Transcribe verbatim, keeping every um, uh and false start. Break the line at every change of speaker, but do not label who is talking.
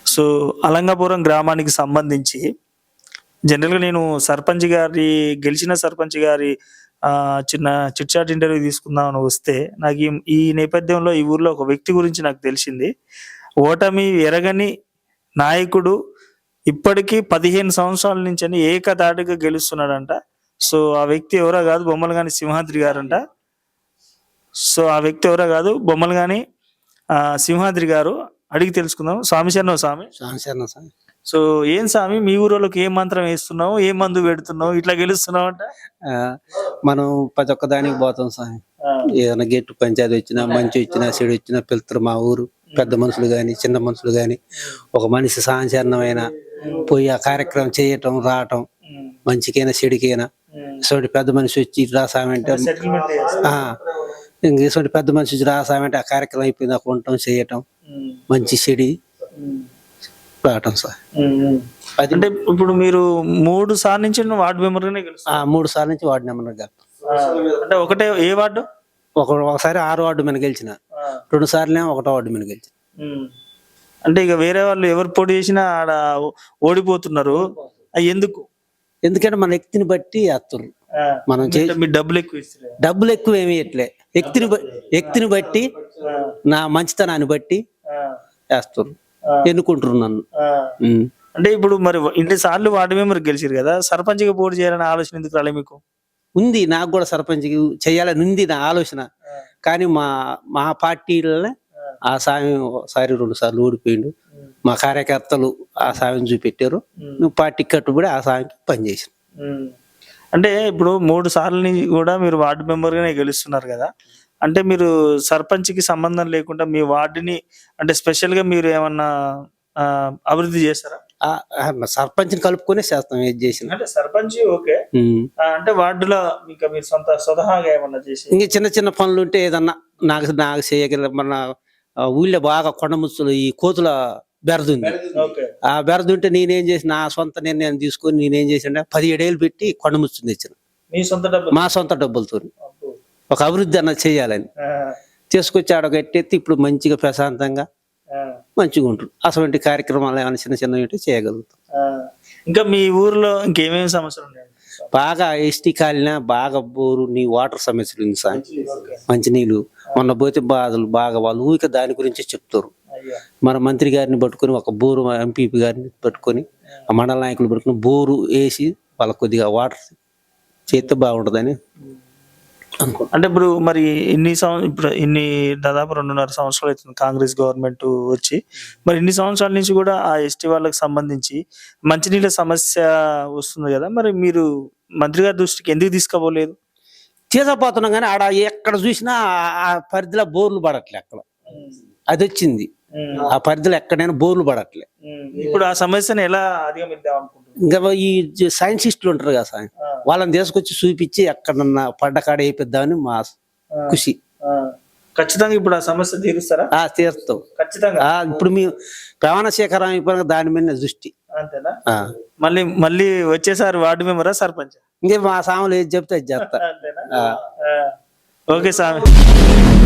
So అలంగాపురం గ్రామానికి సంబంధించి జనరల్‌గా నేను సర్పంచ్ గారి గెలిచిన సర్పంచ్ గారి ఆహ్, చిన్న చిట్ చాట్ ఇంటర్వ్యూ తీసుకుందామని వస్తే నాకు ఈ ఈ నేపథ్యంలో ఈ ఊర్లో ఒక వ్యక్తి గురించి నాకు తెలిసింది. ఓటమి ఎరగని నాయకుడు ఇప్పటికి పదిహేను సంవత్సరాల నుంచని ఏకధాటిగా గెలుస్తున్నాడంట. సో ఆ వ్యక్తి ఎవరో కాదు బొమ్మలగాని సింహాద్రి గారంట. సో ఆ వ్యక్తి ఎవరో కాదు బొమ్మలగాని ఆహ్, సింహాద్రి గారు. అడిగి తెలుసుకుందాం. స్వామి శరణం స్వామి.
స్వామి శరణం స్వామి.
సో ఏం స్వామి మీ ఊరోళ్ళకి ఏం మంత్రం వేస్తున్నావు? ఏ మందు పెడుతున్నావు? ఇట్లా గెలుస్తున్నావంట?
ఆ, మనం ప్రతి ఒక్క దానికి పోతాం స్వామి.
ఆ!
ఏదైనా గెట్టు పంచాయతీ వచ్చినా, మంచి వచ్చినా, చెడు వచ్చినా పిలుస్తారు మా ఊరు పెద్ద మనుషులు గాని, చిన్న మనుషులు గాని. ఒక మనిషి సాంచరణమైన పోయి ఆ కార్యక్రమం చేయటం, రావటం,
హ్మ్.
మంచికైనా చెడుకైనా.
హ్మ్.
ఇటువంటి పెద్ద మనిషి వచ్చి ఇటు రాసామంటే
సెటిల్‌మెంట్ చేస్తా.
ఆ ఇంక ఇటువంటి పెద్ద మనిషి వచ్చి రాసామంటే ఆ కార్యక్రమం అయిపోయింది దాకా ఉండటం, చేయటం,
హ్మ్.
మంచి చెడి
హ్మ్.
రావటం సార్.
హ్మ్. హ్మ్.
అది
అంటే ఇప్పుడు మీరు మూడు సార్లు నుంచి వార్డ్ మెంబర్‌గానే
ఆ
గెలుస్తున్నారు.
మూడు సార్లు నుంచి వార్డు నెంబర్ గారు.
ఆ! అంటే ఒకటే ఏ వార్డు?
ఒక ఒకసారి ఆరు వార్డు మీద గెలిచిన,
ఆ!
రెండు సార్లు ఒకటో వార్డు మీద గెలిచిన.
హ్మ్. అంటే ఇక వేరే వాళ్ళు ఎవరు పోటీ చేసినా ఆడ ఓడిపోతున్నారు. అయి ఎందుకు?
ఎందుకంటే మన వ్యక్తిని బట్టి వేస్తారు.
ఆ!
మనం చే
అంటే మీరు డబ్బులు ఎక్కువ ఇస్తలేరా?
డబ్బులు ఎక్కువ ఏమి ఇట్లే వ్యక్తిని బ- వ్యక్తిని బట్టి
ఆ!
నా మంచితనాన్ని బట్టి
ఆ!
వేస్తారు,
ఆ!
ఎన్నుకుంటారు నన్ను.
ఆ!
ఉమ్.
అంటే ఇప్పుడు మరి ఇన్ని సార్లు వార్డు మెంబర్ గెలిచిరు కదా! సర్పంచ్‌గా పోటీ చేయాలనే ఆలోచన ఎందుకు రాలే మీకు?
ఉంది, నాకు కూడా సర్పంచ్ చేయాలని ఉంది నా ఆలోచన.
ఆ!
కానీ మా మా పార్టీలనే
ఆ!
ఆ సాయం ఒకసారి రెండు సార్లు ఓడిపోయిండు.
హ్మ్.
మా కార్యకర్తలు ఆ సాయం చూపెట్టారు.
హ్మ్.
నువ్వు పార్టీకి కట్టుబడి ఆ సాయంకి పనిచేసాను.
హ్మ్. అంటే ఇప్పుడు మూడు సార్లు నుంచి కూడా మీరు వార్డ్ మెంబర్‌గానే గెలుస్తున్నారు గదా! అంటే మీరు సర్పంచ్‌కి సంబంధం లేకుండా మీ వార్డ్‌ని అంటే స్పెషల్‌గా మీరు ఏమన్నా ఆహ్, అభివృద్ధి చేస్తారా?
ఆ, ఆ, సర్పంచ్ని కలుపుకొనే చేస్తాం ఏది చేసినా.
అంటే సర్పంచ్ ఓకే.
ఉమ్.
ఆహ్, అంటే వార్డులో ఇంకా మీరు సొంత స్వతహాగా ఏమన్నా చేసి
ఇంక చిన్న చిన్న పనులు ఉంటే ఏదన్నా నాకు నాకు చేయగల మన ఆ, ఊళ్ళో బాగా కొండ ముచ్చులు ఈ కోతుల బెరదు ఉంది.
ఓకే.
ఆ బెరదు ఉంటే నేనేం చేసిన నా సొంత నిర్ణయం తీసుకొని నేనేం చేసిన పదిహేడు ఏళ్ళు పెట్టి కొండ ముచ్చుని తెచ్చిన
మీ సొంత డబ్బులు?
మా సొంత డబ్బులతో
అబ్బో!
ఒక అభివృద్ధి అన్నది చేయాలని
ఆ!
తీసుకొచ్చి ఆడ కట్టెత్తి ఇప్పుడు మంచిగా ప్రశాంతంగా
ఆ!
మంచిగా ఉంటుంది. అటువంటి కార్యక్రమాలు ఏమైనా చిన్న చిన్నవి ఉంటే చేయగలుగుతాం.
ఆ! ఇంకా మీ ఊర్లో ఇంకేమేమి సమస్యలు ఉన్నాయండి?
బాగా ఎస్టీ కాలిన బాగా బోరు నీ వాటర్ సమస్యలు ఉంది సార్.
ఓకే.
మంచినీళ్ళు మొన్న పోతే బాధలు బాగా వాళ్ళు ఊరిక దాని గురించి చెప్తారు.
అయ్యో!
మన మంత్రి గారిని పట్టుకొని ఒక బోరు ఎంపీపీ గారిని పట్టుకొని ఆ మండల నాయకులు పట్టుకొని బోరు వేసి వాళ్ళకి కొద్దిగా వాటర్ చేస్తే బాగుంటుందని అనుకో.
అంటే ఇప్పుడు మరి ఇన్ని సం ఇప్పుడు ఇన్ని దాదాపు రెండున్నర సంవత్సరాలు అవుతుంది కాంగ్రెస్ గవర్నమెంట్ వచ్చి. మరి ఇన్ని సంవత్సరాల నుంచి కూడా ఆ ఎస్టీ వాళ్ళకి సంబంధించి మంచినీళ్ళ సమస్య వస్తుంది గదా! మరి మీరు మంత్రి గారి దృష్టికి ఎందుకు తీసుకుపోలేదు?
తీసుకుపోతున్నాం కానీ ఆడ ఎక్కడ చూసినా ఆ- ఆ పరిధిలో బోర్లు పడట్లే అక్కడ. అది వచ్చింది
హ్మ్.
ఆ పరిధిలో ఎక్కడైనా బోర్లు పడట్లే.
హ్మ్. ఇప్పుడు ఆ సమస్యను ఎలా అధిగమిద్దాం అనుకుంటున్నారు?
ఇంకా ఈ సైంటిస్టులు ఉంటారు కదా సార్,
ఆ!
వాళ్ళని తీసుకొచ్చి చూపించి ఎక్కడన్నా పడ్డ కాడ వేయిద్దామని మా
ఆ!
ఖుషి.
ఆ! ఖచ్చితంగా ఇప్పుడు ఆ సమస్య తీరుస్తారా?
ఆ తీరుస్తాం.
ఖచ్చితంగా.
ఆ ఇప్పుడు మీ ప్రమాణ స్వీకారం అయిపోయిన దాని మీద దృష్టి.
అంతేనా?
ఆ
మళ్ళీ మళ్ళీ వచ్చేసారి వార్డు మెంబరా? సర్పంచా?
ఇంకే మా సాములు ఏది చెప్తే అది చేస్తా.
అంతేనా?
ఆ.
ఆ! ఓకే స్వామి.